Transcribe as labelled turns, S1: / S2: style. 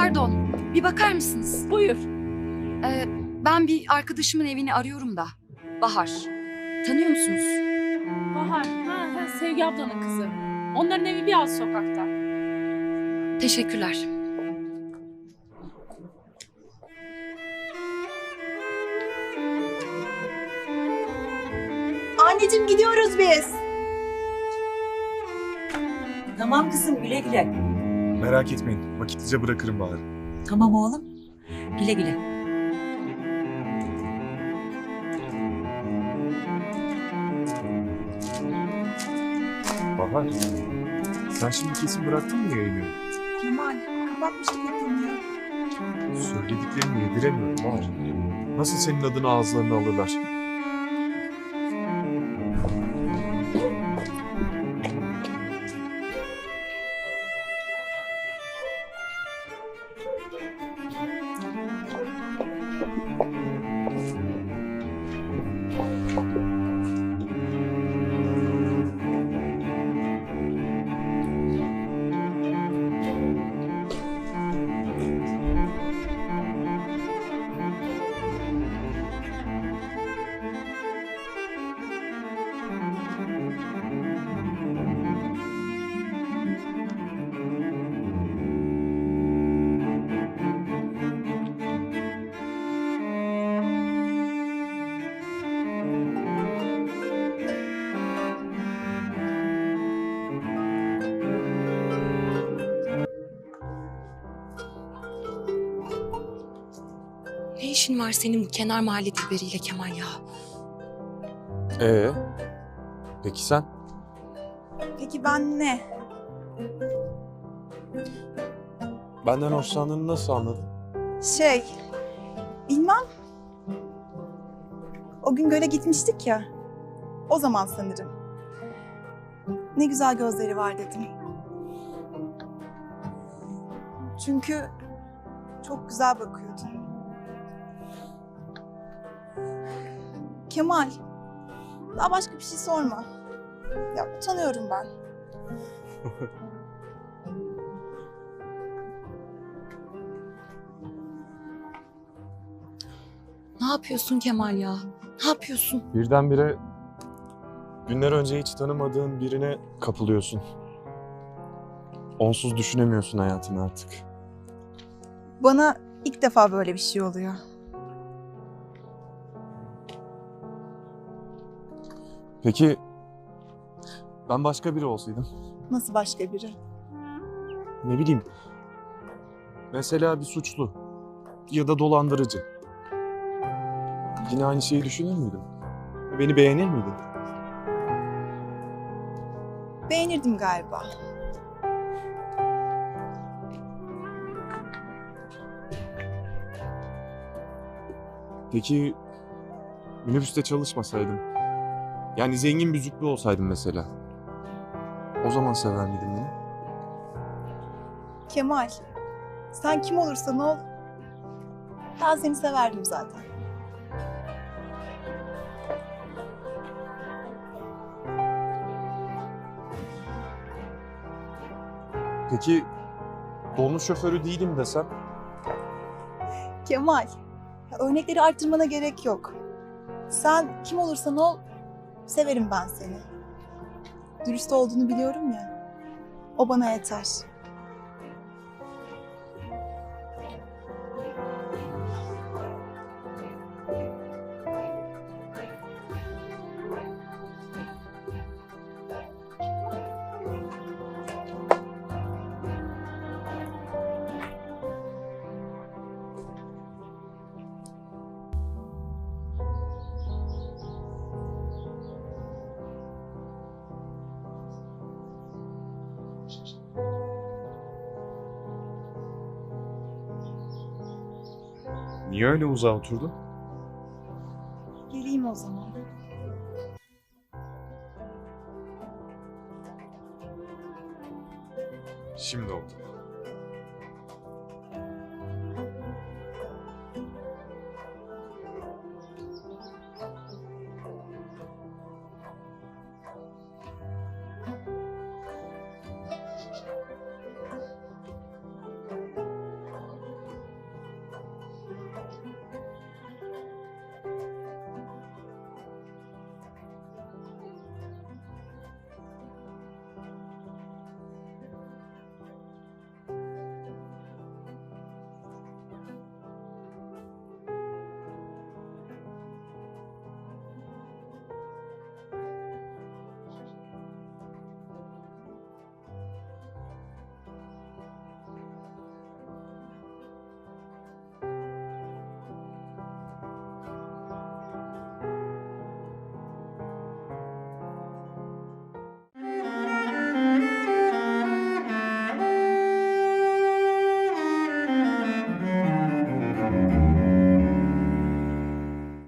S1: Pardon, bir bakar mısınız?
S2: Buyur.
S1: Ben bir arkadaşımın evini arıyorum da. Bahar. Tanıyor musunuz?
S2: Bahar. Ha, Sevgi ablanın kızı. Onların evi bir alt sokakta.
S1: Teşekkürler.
S3: Anneciğim gidiyoruz biz.
S4: Tamam kızım, güle güle.
S5: Merak etmeyin. Vakitlice bırakırım Bahar'ı.
S4: Tamam oğlum. Güle güle.
S5: Bahar. Sen şimdi kesin bıraktın mı yayını?
S3: Kemal, kapatmıştık o konuyu.
S5: Söylediklerini yediremiyorum Bahar. Nasıl senin adını ağızlarına alırlar?
S1: Ne işin var senin bu kenar mahalle dilberiyle Kemal ya?
S5: Peki sen?
S3: Peki ben ne?
S5: Benden hoşlandığını nasıl anladın?
S3: Bilmem. O gün göle gitmiştik ya. O zaman sanırım. Ne güzel gözleri var dedim. Çünkü çok güzel bakıyordun. Kemal, daha başka bir şey sorma. Ya utanıyorum ben.
S1: Ne yapıyorsun Kemal ya? Ne yapıyorsun?
S5: Birdenbire günler önce hiç tanımadığın birine kapılıyorsun. Onsuz düşünemiyorsun hayatını artık.
S3: Bana ilk defa böyle bir şey oluyor.
S5: Peki ben başka biri olsaydım?
S3: Nasıl başka biri?
S5: Ne bileyim. Mesela bir suçlu ya da dolandırıcı. Yine aynı şeyi düşünür müydün? Beni beğenir miydin?
S3: Beğenirdim galiba.
S5: Peki minibüste çalışmasaydım? Yani zengin bir züppe olsaydım mesela. O zaman sever miydin beni?
S3: Kemal, sen kim olursan ol, ben seni severdim zaten.
S5: Peki dolmuş şoförü değilim desem?
S3: Kemal, ya örnekleri arttırmana gerek yok. Sen kim olursan ol, severim ben seni. Dürüst olduğunu biliyorum ya, o bana yeter.
S5: Niye öyle uzağa oturdun?
S3: Geleyim o zaman.
S5: Şimdi oldu.